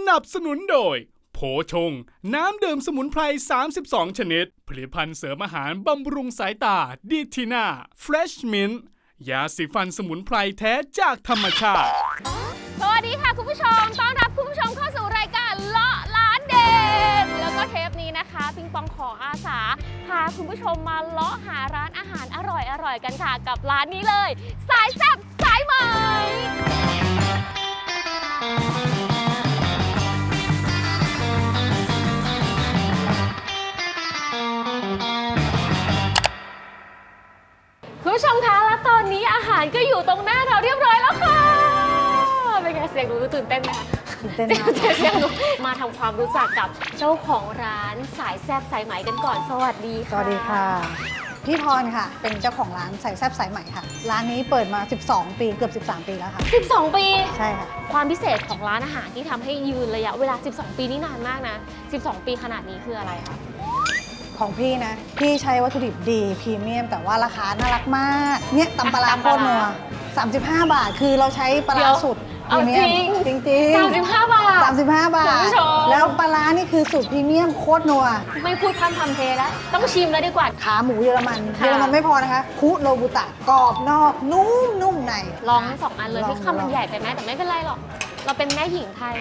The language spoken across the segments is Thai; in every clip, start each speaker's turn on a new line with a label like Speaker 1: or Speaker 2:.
Speaker 1: นับสนุนโดยโผชงน้ำดื่มสมุนไพร32ชนิดผลิตภัณฑ์เสริมอาหารบำรุงสายตาดีทีน่าเฟรชมินต์ยาสีฟันสมุนไพรแท้จากธรรมชาติ
Speaker 2: สวัสดีค่ะคุณผู้ชมต้อนรับคุณผู้ชมเข้าสู่รายการเลาะร้านเด็ดแล้วก็เทปนี้นะคะปิงปองขออาสาพาคุณผู้ชมมาเลาะหาร้านอาหารอร่อยกันค่ะกับร้านนี้เลยสายแซ่บสายไหมคุณผู้ชมคะและตอนนี้อาหารก็อยู่ตรงหน้าเราเรียบร้อยแล้วค่ะเป็นไงเสียงดูตื่นเต้นไหมคะ
Speaker 3: ตื่นเต้นมาก
Speaker 2: เสียงดูมาทำความรู้จักกับเจ้าของร้านสายแซ่บสายไหมกันก่อนสวัสดีค่ะ
Speaker 3: สวัสดีค่ะพี่พรค่ะเป็นเจ้าของร้านสายแซ่บสายไหมค่ะร้านนี้เปิดมา12ปีเกือบ13ปีแล้วค่ะ
Speaker 2: 12ปี
Speaker 3: ใช่ค่ะ
Speaker 2: ความพิเศษของร้านอาหารที่ทำให้ยืนระยะเวลา12ปีนี่นานมากนะ12ปีขนาดนี้คืออะไรคะ
Speaker 3: ของพี่นะพี่ใช้วัตถุดิบดีพรีเมียมแต่ว่าราคาน่ารักมากเนี่ยตำปลาโคตรนัว35 บาทคือเราใช้ปลาสุดพรีเมียมจริง
Speaker 2: 35 บาท
Speaker 3: 35 บาทแล้วปลานี่คือสูตรพรีเมียมโคตรนัว
Speaker 2: ไม่พูดพันทำเพลแล้วต้องชิมแล้วดีกว่า
Speaker 3: ขาหมูเยอรมันไม่พอนะคะคุโรบุตะกรอบนอกนุ่มใน
Speaker 2: ลองทั้ง2 อันเลยที่คำมันใหญ่ไปไหมแต่ไม่เป็นไรหรอกเราเป็นแม่หญิงไทย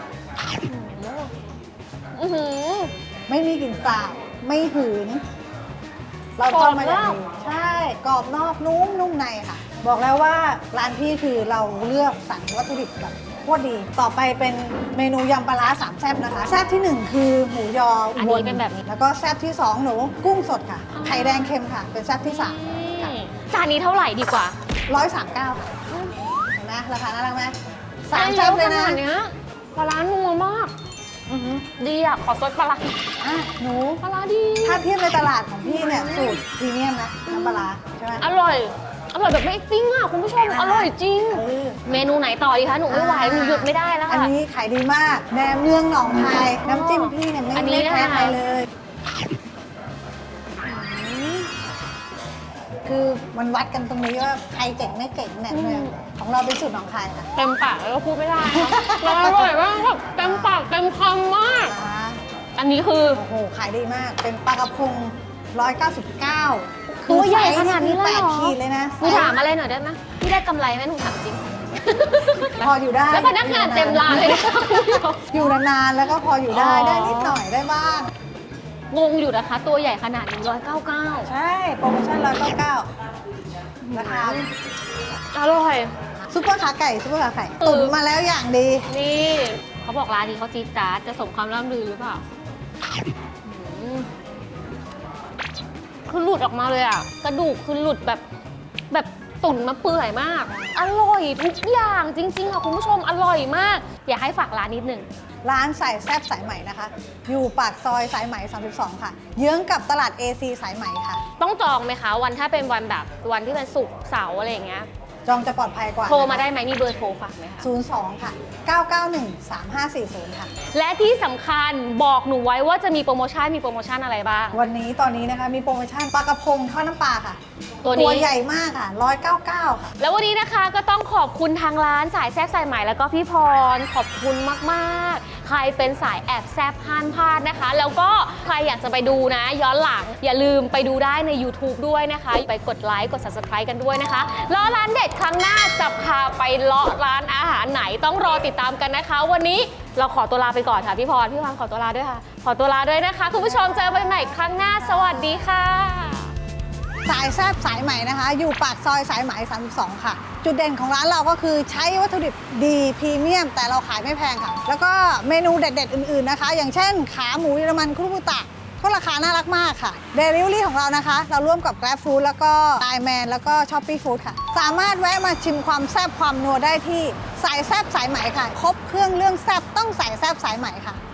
Speaker 3: ไม่มีกลิ่นสาบไม่หืนเราทำมาอย่างดีใช่กรอบนอกนุ่มในค่ะบอกแล้วว่าร้านพี่คือเราเลือกสรรวัตถุดิบแบบโคตรดีต่อไปเป็นเมนูยำปลาร้า3แซ่บนะคะแซ่บที่1คือหมูยอ
Speaker 2: อันนี้เป็นแบบนี้
Speaker 3: แล้วก็แซ่บที่2หนูกุ้งสดค่ะไข่แดงเค็มค่ะเป็นแซ่บที่3ค่ะ
Speaker 2: จานนี้เท่าไหร่ดีกว่า
Speaker 3: 139ค่ะเห็นไหมราคาน่ารักไหม3แซ่บเลยนะ
Speaker 2: ปลาร้านัวมากดีอ่ะขอซดปลาร้า
Speaker 3: หนู
Speaker 2: ปลาร้าดี
Speaker 3: ถ้าเทียบในตลาดของพี่เนี่ยสูตรพรีเมียมนะน้ำปลาใช่ไหม
Speaker 2: อร่อยแบบไม่ปิ้งอ่ะคุณผู้ชมอร่อยจริงเมนูไหนต่อดีคะหนูไม่ไหวหนูหยุดไม่ได้แล้วค่ะ
Speaker 3: อันนี้ขายดีมากแหนมเนืองหนองคายน้ำจิ้มพี่เนี่ยไม่แพ้ใครเลยคือมันวัดกันตรงนี้ว่าใครเก่งไม่เก่งแหนมเนืองของเราเป็นสูตรหนองคายค่ะ
Speaker 2: เต็มปากแล้วก็พูดไม่ได้มันอร่อยมากแบบเต็มปากเต็มคำมากอันนี้คือ
Speaker 3: โอ้โหขายดีมากเป็นปลากระพง199
Speaker 2: ตัวใหญ่ขนาดนี้เลยเหรอ
Speaker 3: 8 ขีดเลยนะ
Speaker 2: หนูถามอะไรหน่อยได้ไหมพี่ได้กำไรไหมหนูถามจริง
Speaker 3: พออยู่ได้
Speaker 2: แล้วพนักงานเต็มร้านเลย
Speaker 3: อยู่นานๆแล้วก็พออยู่ได้นิดหน่อยได้บ้าง
Speaker 2: งงอยู่นะคะตัวใหญ่ขนาดนี้199
Speaker 3: ใช่โปรโมชั่น199ราคา
Speaker 2: อร่อย
Speaker 3: ซุปเปอร์ขาไก่ตุ๋นมาแล้วอย่างดี
Speaker 2: นี่เขาบอกร้านนี้เขาจี๊ดจ๊าดจะสมความร่ำลือหรือเปล่าคือหลุดออกมาเลยอ่ะกระดูกคือหลุดแบบตุ๋นมาเปื่อยมากอร่อยทุกอย่างจริงๆค่ะคุณผู้ชมอร่อยมากอยากให้ฝากร้านนิดหนึ่ง
Speaker 3: ร้านสายแซ่บสายไหมนะคะอยู่ปากซอยสายไหม32ค่ะเยื้องกับตลาด AC สายไหมค่ะ
Speaker 2: ต้องจองไหมคะวันถ้าเป็นวันแบบวันที่เป็นศุกร์เสาร์อะไรอย่างเงี้ย
Speaker 3: จองจะปลอดภัยกว่า
Speaker 2: โทรมาได้ไหมมีเบอร์โทรฝากไหมคะ
Speaker 3: 02ค่ะ991 3540ค่ะ
Speaker 2: และที่สำคัญบอกหนูไว้ว่าจะมีโปรโมชั่นอะไรบ้าง
Speaker 3: ตอนนี้นะคะมีโปรโมชั่นปลากระพงทอดน้ำปลาค่ะ
Speaker 2: ตัว
Speaker 3: ใหญ่มากค่ะ199ค่ะ
Speaker 2: แล้ววันนี้นะคะก็ต้องขอบคุณทางร้านสายแซ่บสายไหมแล้วก็พี่พรขอบคุณมากๆใครเป็นสายแอบแซ่บห้ามพลาดนะคะแล้วก็ใครอยากจะไปดูนะย้อนหลังอย่าลืมไปดูได้ใน YouTube ด้วยนะคะไปกดไลค์กด Subscribe กันด้วยนะคะเลาะร้านเด็ดครั้งหน้าจะพาไปเลาะร้านอาหารไหนต้องรอติดตามกันนะคะวันนี้เราขอตัวลาไปก่อนค่ะพี่พรขอตัวลาด้วยค่ะขอตัวลาด้วยนะคะคุณผู้ชมเจอกันใหม่ครั้งหน้าสวัสดีค่ะ
Speaker 3: สายแซ่บสายไหมนะคะอยู่ปากซอยสายไหม32ค่ะจุดเด่นของร้านเราก็คือใช้วัตถุดิบดีพรีเมียมแต่เราขายไม่แพงค่ะแล้วก็เมนูเด็ดๆอื่นๆนะคะอย่างเช่นขาหมูเยอรมันคุรุบุตะก็ราคาน่ารักมากค่ะเดลิเวอรี่ของเรานะคะเราร่วมกับ Grab Food แล้วก็ Lineman แล้วก็ Shopee Food ค่ะสามารถแวะมาชิมความแซ่บความนัวได้ที่สายแซ่บสายไหมค่ะครบเครื่องเรื่องแซ่บต้องสายแซ่บสายไหมค่ะ